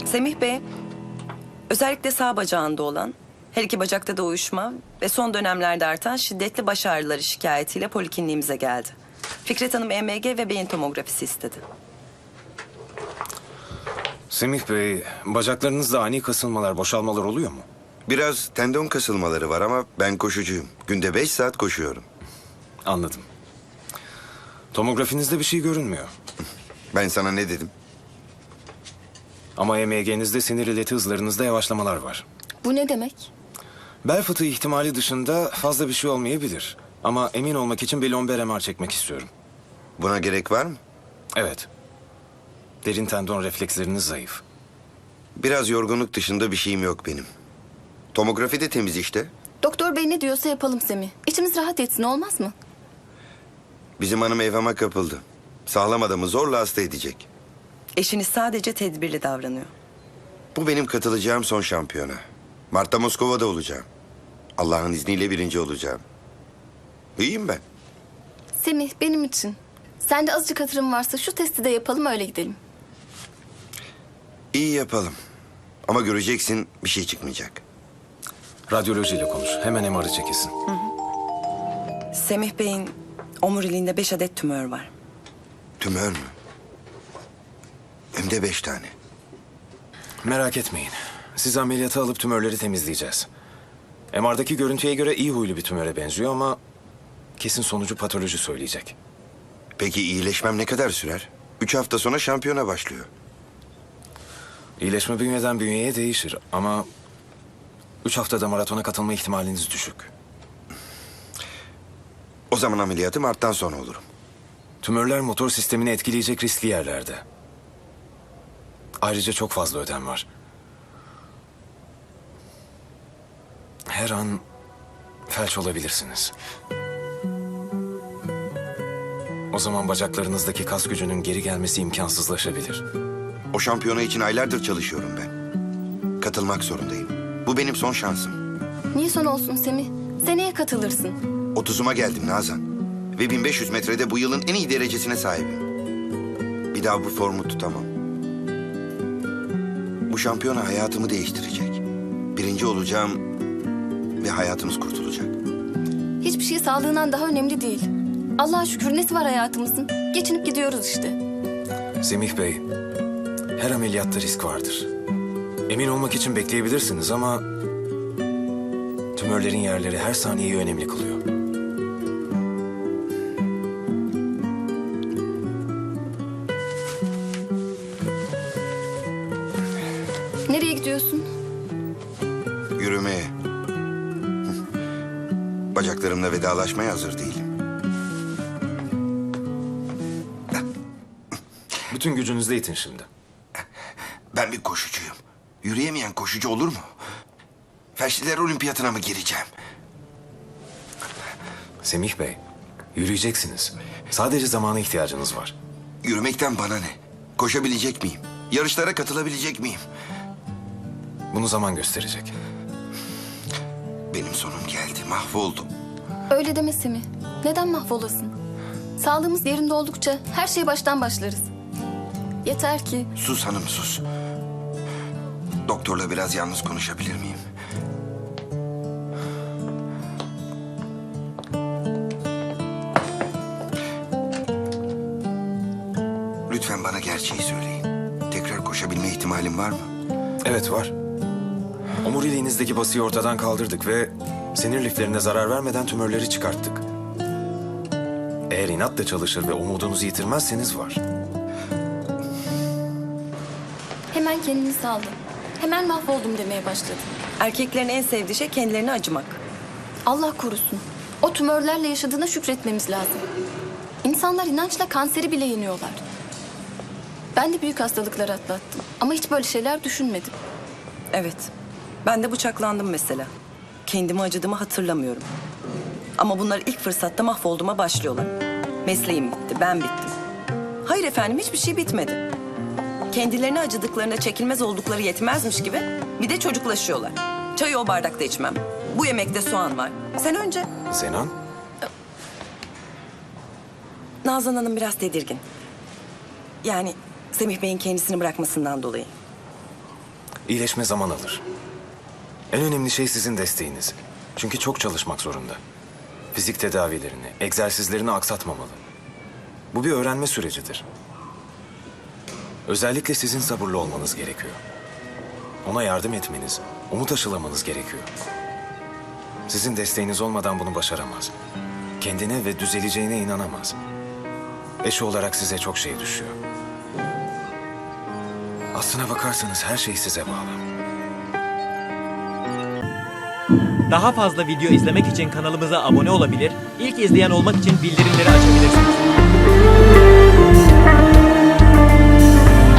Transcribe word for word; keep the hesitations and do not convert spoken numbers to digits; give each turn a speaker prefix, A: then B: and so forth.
A: Semih Bey, özellikle sağ bacağında olan, her iki bacakta da uyuşma ve son dönemlerde artan şiddetli baş ağrıları şikayetiyle polikliniğimize geldi. Fikret Hanım E M G ve beyin tomografisi istedi.
B: Semih Bey, bacaklarınızda ani kasılmalar, boşalmalar oluyor mu?
C: Biraz tendon kasılmaları var ama ben koşucuyum. Günde beş saat koşuyorum.
B: Anladım. Tomografinizde bir şey görünmüyor.
C: Ben sana ne dedim?
B: Ama E M G'nizde sinir ileti hızlarınızda yavaşlamalar var.
D: Bu ne demek?
B: Bel fıtığı ihtimali dışında fazla bir şey olmayabilir. Ama emin olmak için bir lomber M R çekmek istiyorum.
C: Buna gerek var mı?
B: Evet. Derin tendon refleksleriniz zayıf.
C: Biraz yorgunluk dışında bir şeyim yok benim. Tomografi de temiz işte.
D: Doktor bey ne diyorsa yapalım Semih. İçimiz rahat etsin, olmaz mı?
C: Bizim hanım evhama kapıldı. Sağlam adamı zorla hasta edecek.
A: Eşiniz sadece tedbirli davranıyor.
C: Bu benim katılacağım son şampiyona. Mart'ta Moskova'da olacağım. Allah'ın izniyle birinci olacağım. İyiyim ben.
D: Semih, benim için. Sende azıcık hatırım varsa şu testi de yapalım, öyle gidelim.
C: İyi yapalım. Ama göreceksin bir şey çıkmayacak.
B: Radyolojiyle konuş. Hemen M R'ı çekilsin.
A: Semih Bey'in omuriliğinde beş adet tümör var.
C: Tümör mü? Hem de beş tane.
B: Merak etmeyin. Sizi ameliyata alıp tümörleri temizleyeceğiz. M R'daki görüntüye göre iyi huylu bir tümöre benziyor ama kesin sonucu patoloji söyleyecek.
C: Peki iyileşmem ne kadar sürer? Üç hafta sonra şampiyona başlıyor.
B: İyileşme bünyeden bünyeye değişir ama üç haftada maratona katılma ihtimaliniz düşük.
C: O zaman ameliyatı Mart'tan sonra olurum.
B: Tümörler motor sistemini etkileyecek riskli yerlerde. Ayrıca çok fazla ödem var. Her an felç olabilirsiniz. O zaman bacaklarınızdaki kas gücünün geri gelmesi imkansızlaşabilir.
C: O şampiyona için aylardır çalışıyorum ben. Katılmak zorundayım. Bu benim son şansım.
D: Niye son olsun Semih? Seneye katılırsın.
C: Otuzuma geldim Nazan. Ve bin beş yüz metrede bu yılın en iyi derecesine sahibim. Bir daha bu formu tutamam. Bu şampiyona hayatımı değiştirecek. Birinci olacağım ve hayatımız kurtulacak.
D: Hiçbir şey sağlığından daha önemli değil. Allah'a şükür nesi var hayatımızın? Geçinip gidiyoruz işte.
B: Semih Bey, her ameliyatta risk vardır. Emin olmak için bekleyebilirsiniz ama tümörlerin yerleri her saniyeyi önemli kılıyor.
D: Nereye gidiyorsun?
C: Yürümeye. Bacaklarımla vedalaşmaya hazır değilim.
B: Bütün gücünüzle itin şimdi.
C: Ben bir koşucuyum. Yürüyemeyen koşucu olur mu? Felçliler Olimpiyatına mı gireceğim?
B: Semih Bey, yürüyeceksiniz. Sadece zamana ihtiyacınız var.
C: Yürümekten bana ne? Koşabilecek miyim? Yarışlara katılabilecek miyim?
B: Bunu zaman gösterecek.
C: Benim sonum geldi, mahvoldum.
D: Öyle deme Semih. Neden mahvolasın? Sağlığımız yerinde oldukça her şeye baştan başlarız. Yeter ki...
C: Sus hanım, sus. Doktorla biraz yalnız konuşabilir miyim? Lütfen bana gerçeği söyleyin. Tekrar koşabilme ihtimalim var mı?
B: Evet var. Omuriliğinizdeki basıyı ortadan kaldırdık ve sinir liflerine zarar vermeden tümörleri çıkarttık. Eğer inatla çalışır ve umudunuzu yitirmezseniz var.
D: Hemen kendini saldı. Hemen mahvoldum demeye başladı.
A: Erkeklerin en sevdiği şey kendilerine acımak.
D: Allah korusun. O tümörlerle yaşadığına şükretmemiz lazım. İnsanlar inançla kanseri bile yeniyorlar. Ben de büyük hastalıklar atlattım. Ama hiç böyle şeyler düşünmedim.
A: Evet, ben de bıçaklandım mesela. Kendime acıdığımı hatırlamıyorum. Ama bunlar ilk fırsatta mahvolduğuma başlıyorlar. Mesleğim bitti, ben bittim. Hayır efendim, hiçbir şey bitmedi. Kendilerine acıdıklarına çekilmez oldukları yetmezmiş gibi bir de çocuklaşıyorlar. Çayı o bardakta içmem. Bu yemekte soğan var. Sen önce...
B: Zenan,
A: Nazan Hanım biraz tedirgin. Yani Semih Bey'in kendisini bırakmasından dolayı.
B: İyileşme zaman alır. En önemli şey sizin desteğiniz. Çünkü çok çalışmak zorunda. Fizik tedavilerini, egzersizlerini aksatmamalı. Bu bir öğrenme sürecidir. Özellikle sizin sabırlı olmanız gerekiyor. Ona yardım etmeniz, umut aşılamanız gerekiyor. Sizin desteğiniz olmadan bunu başaramaz. Kendine ve düzeleceğine inanamaz. Eşi olarak size çok şey düşüyor. Aslına bakarsanız her şey size bağlı.
E: Daha fazla video izlemek için kanalımıza abone olabilir, ilk izleyen olmak için bildirimleri açabilirsiniz.